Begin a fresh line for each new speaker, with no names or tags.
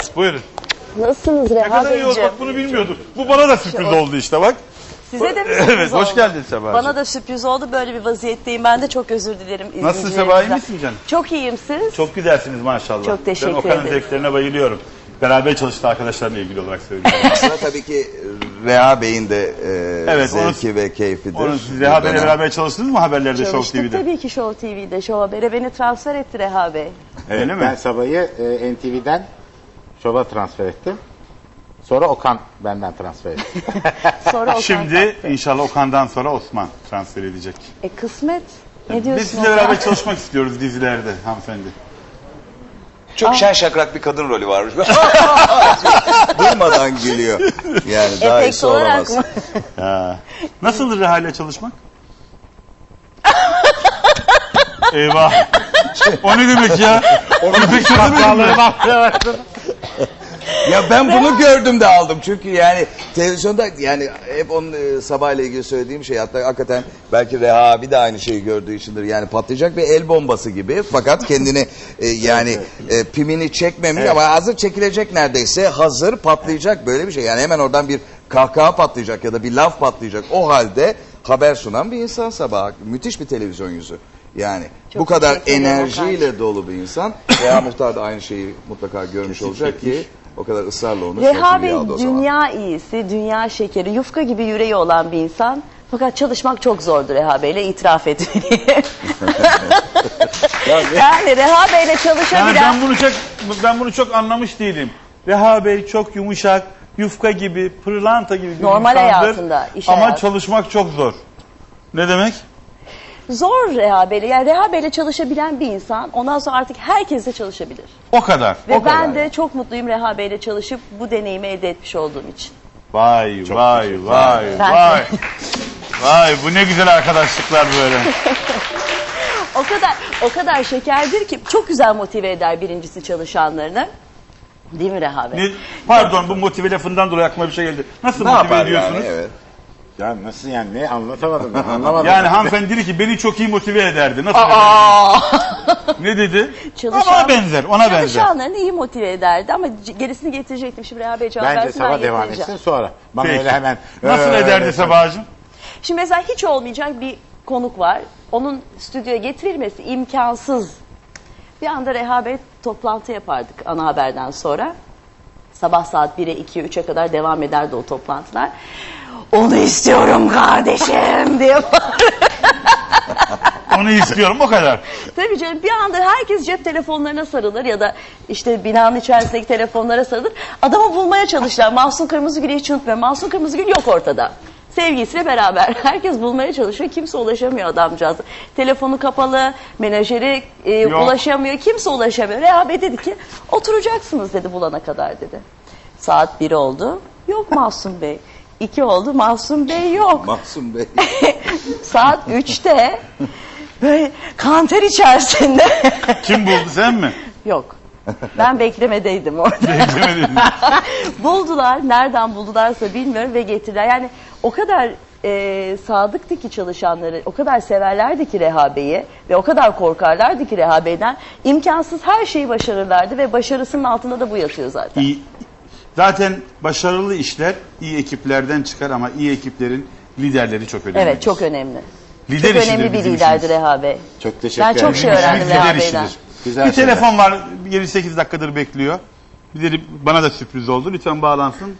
Buyurun.
Nasılsınız
Ne
Reha
kadar iyi oldu,
Beyciğim?
bak bunu bilmiyorduk. Bu bana da sürpriz oldu işte bak.
Size de mi sürpriz
Evet,
oldu?
hoş geldin Seba'cığım.
Bana da sürpriz oldu. Böyle bir vaziyetteyim. Ben de çok özür dilerim.
Nasılsın Seba, iyi misin canım?
Çok iyiyim siz.
Çok güzelsiniz maşallah.
Çok teşekkür
Ben Okan'ın
ederim.
zevklerine bayılıyorum. Beraber çalıştığı arkadaşlarla ilgili olarak söylüyorum.
Aslında tabii ki Reha Bey'in de
Evet,
zevki ve keyfidir.
Onu siz Reha Bey'le beraber çalıştınız mı haberlerde Show
Çalıştık
TV'de?
tabii ki Show TV'de. Show Haber'e beni transfer etti Reha Bey.
Öyle mi?
Ben Sabah'ı NTV'den Şov'a transfer ettim. Sonra Okan benden transfer etti.
Sonra Okan
Şimdi
kalktı.
inşallah Okan'dan sonra Osman transfer edecek.
Kısmet. Ne diyorsun?
Biz sizinle
Okan?
beraber çalışmak istiyoruz dizilerde hanımefendi.
Çok şen şakrak bir kadın rolü varmış. Durmadan gülüyor. Yani daha
Efekt
iyisi
olarak
olamaz.
mı?
Nasıldır Reha ile çalışmak? Eyvah. O ne demek ya? Onu pek çözemedim ben.
Ya ben bunu gördüm de aldım. Çünkü yani televizyonda yani hep onun Sabah ile ilgili söylediğim şey, hatta hakikaten belki Reha abi de aynı şeyi gördüğü içindir. Yani patlayacak bir el bombası gibi, fakat kendini pimini çekmemiş ama hazır çekilecek, neredeyse hazır patlayacak, böyle bir şey. Yani hemen oradan bir kahkaha patlayacak ya da bir laf patlayacak. O halde haber sunan bir insan Sabah. Müthiş bir televizyon yüzü. Yani
Çok
bu kadar
teşekkür ederim
enerjiyle dolu bir insan. Reha Muhtar da aynı şeyi mutlaka görmüş olacak ki o kadar ısrarla onu
Reha
sözünü
Bey
aldı o zaman.
dünya iyisi, dünya şekeri, yufka gibi yüreği olan bir insan. Fakat çalışmak çok zordu Reha Bey'le, itiraf etmeliyim. Yani Reha Bey'le
Yani
çalışabilen...
ben bunu çok anlamış değilim. Reha Bey çok yumuşak, yufka gibi, pırlanta gibi bir
Normal
insandır.
hayatında, iş
Ama
hayatı.
çalışmak çok zor. Ne demek?
Zor Reha Bey'le. Yani Reha Bey'le çalışabilen bir insan ondan sonra artık herkesle çalışabilir.
O kadar.
Ve
o kadar.
ben de çok mutluyum Reha Bey'le çalışıp bu deneyimi elde etmiş olduğum için.
Vay vay
Ben-
vay. Vay bu ne güzel arkadaşlıklar böyle.
O kadar şekerdir ki çok güzel motive eder birincisi çalışanlarını. Değil mi Reha Bey?
Pardon, bu motive lafından dolayı aklıma bir şey geldi. Nasıl
Ne
motive
yapar
ediyorsunuz?
yani? Evet.
Ya nasıl yani, ne anlatamadım ben, anlamadım.
Yani hanımefendi dedi ki beni çok iyi motive ederdi. Nasıl ne dedi? Ona benzer, ona benzer.
Çalışanlarını iyi motive ederdi ama gerisini getirecektim. Şimdi Reha Bey cevap
Bence
versin, ben
Sabah devam
getireceğim.
etsin sonra. Bana
Peki.
öyle hemen...
Nasıl ederdi Seba'cığım?
Şimdi mesela hiç olmayacak bir konuk var. Onun stüdyoya getirilmesi imkansız. Bir anda Reha Bey toplantı yapardık ana haberden sonra. Sabah saat 1'e 2'ye 3'e kadar devam ederdi o toplantılar. Onu istiyorum kardeşim diye
Onu istiyorum, o kadar.
Tabii canım, bir anda herkes cep telefonlarına sarılır ya da işte binanın içerisindeki telefonlara sarılır. Adamı bulmaya çalışırlar. Mahsun Kırmızıgül'ü hiç unutmuyorum. Mahsun Kırmızıgül yok ortada. Sevgilisiyle beraber herkes bulmaya çalışıyor. Kimse ulaşamıyor adamcağıza. Telefonu kapalı, menajeri ulaşamıyor. Kimse ulaşamıyor. Reha Bey dedi ki oturacaksınız dedi bulana kadar dedi. Saat 1 oldu. Yok Mahsun Bey. 2 oldu. Mahsun Bey yok.
Mahsun Bey.
Saat 3'te böyle kanter içerisinde.
Kim buldu, sen mi?
Yok. Ben beklemedeydim orada.
Beklemedim.
Buldular. Nereden buldularsa bilmiyorum ve getirdiler. Yani o kadar sadıktı ki çalışanları, o kadar severlerdi ki Reha Bey'i ve o kadar korkarlardı ki Reha Bey'den. İmkansız her şeyi başarırlardı ve başarısının altında da bu yatıyor zaten.
İyi. Zaten başarılı işler iyi ekiplerden çıkar ama iyi ekiplerin liderleri çok önemli.
Evet, çok önemli.
Lider
Çok
işidir
önemli bir
bizim
liderdi
işimiz.
Reha Bey.
Çok teşekkür
Ben
ederim.
çok şey öğrendim
Lider
Reha
işidir.
Bey'den.
Güzel
Bir
şeyler.
telefon var, 7-8 dakikadır bekliyor. Bir de bana da sürpriz oldu. Lütfen bağlansın.